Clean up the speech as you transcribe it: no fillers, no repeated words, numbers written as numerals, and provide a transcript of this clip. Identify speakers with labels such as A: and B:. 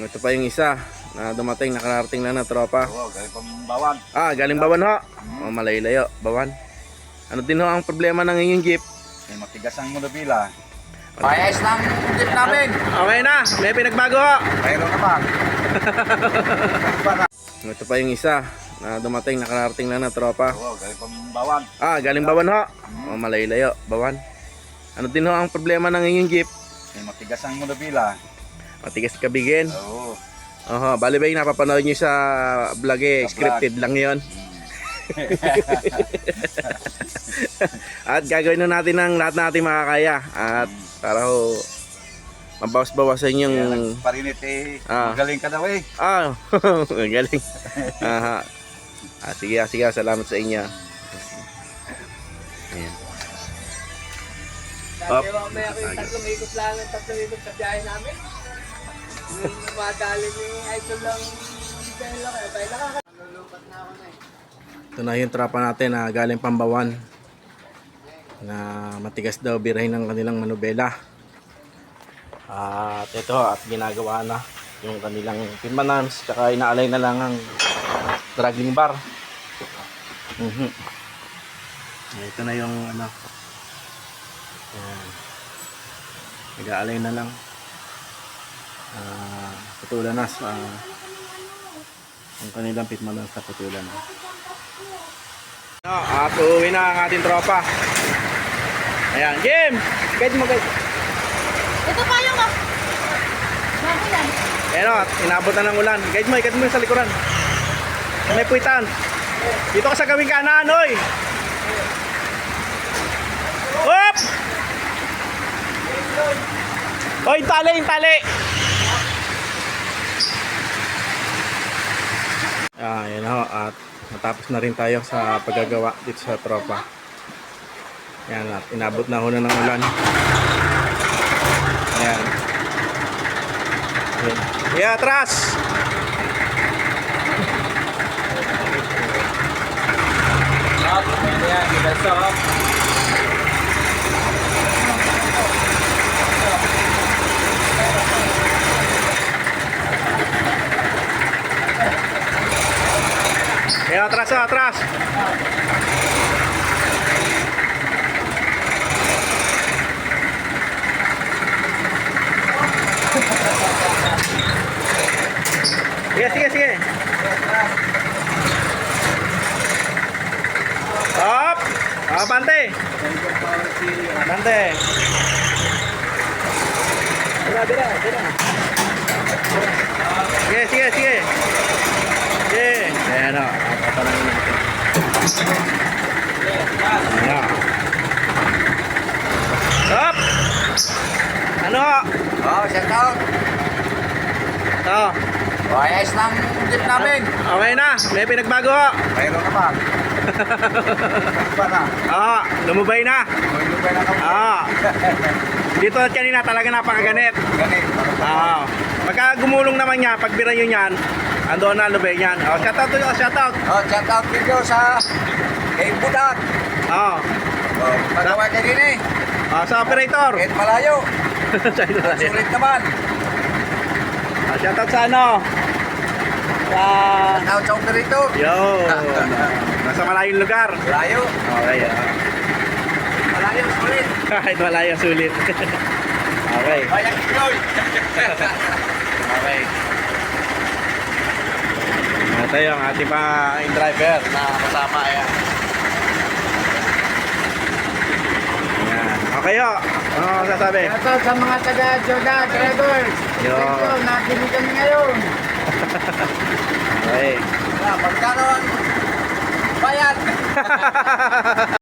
A: Ito pa yung isa na dumating, nakarating lang na tropa.
B: Oo, galing pang Bawan.
A: Galing Bawan ho. Malayo-layo, Bawan. Ano din ho ang problema ng inyong jeep?
B: May matigas ang monobila. Payas ng jeep namin.
A: Okay na, may pinagbago ho.
B: Mayroon naman.
A: Ito pa yung isa na dumating, nakarating lang na tropa.
B: Oo, galing pang Bawan.
A: Galing Bawan ho. Malayo-layo, Bawan. Ano din ho ang problema ng inyong jeep?
B: May matigas ang monobila.
A: Matigas kabigin.
B: Oo.
A: Bali ba yung napapanood nyo sa vlog
B: Sa
A: scripted lang yon. At gagawin na natin ang lahat natin makakaya. At para ho mabawas-bawasan yung
B: Parinit magaling ka daw eh.
A: galing. Sige, salamat sa inyo. Ayan.
C: Dati mamaya ko yung tatlong ikot sa biyahe namin. Yung madali ni Idol lang Bella kaya Bella ka. Nalulupat na ako na eh.
A: Ito na yung tropa natin na galing Pambawan na matigas daw birahin ng kanilang manubela. At ito at ginagawa na yung kanilang pinmanams, tsaka inaalay na lang ang dragging bar. Ito na yung ano. Ayan. Nag-aalay na lang. Putulan na ang kanilang pitmanams na putulan na. At uuwi na ang ating tropa. Ayan, Jim! Guide mo guys.
D: Ito pa yung bago yan.
A: Ayan o, inabot na ng ulan. Guide mo yung sa likuran. May puwitan. Dito ka sa gawing kanan, oy! Hop! Oy, yung tali! Ayan o, at matapos na rin tayo sa paggagawa dito sa tropa. Ayan, at inabot na ho na ng ulan. Ayan. Yeah, atras! Yeah, atras! Sige. Up! Bante! Dira. Sige. Ayan o, patalangin natin. Ayan o. Up! Ano?
B: Shout out.
A: Ito.
B: Payas ng jeep namin.
A: Okay na, may pinagbago ho.
B: Mayroon naman.
A: Lumubay na.
B: Lumubay na kami.
A: Dito at kanina talaga napakaganit.
B: Ganit.
A: Pagka gumulong naman niya, pagbira nyo yan, andoon na lubay yan. Shout out.
B: Shout out video sa kay Budak. Pagawa niya din eh.
A: Sa operator.
B: Kahit malayo. Sulit naman.
A: Shout out sa ano?
B: Shout out sa operator.
A: Nasa malayong lugar.
B: Malayo.
A: Okay.
B: Malayo, sulit.
A: Kahit malayo, sulit. Okay.
B: Bayang Pinoy.
A: Okay. Ito yung ating pa driver na kasama. Ayan. Okay ho. Ano sasabi?
C: Ito sa mga taga-Joda, drivers.
A: Yo.
C: Ito, nakinig kami ngayon.
A: Okay.
B: Pagkano ang bayad?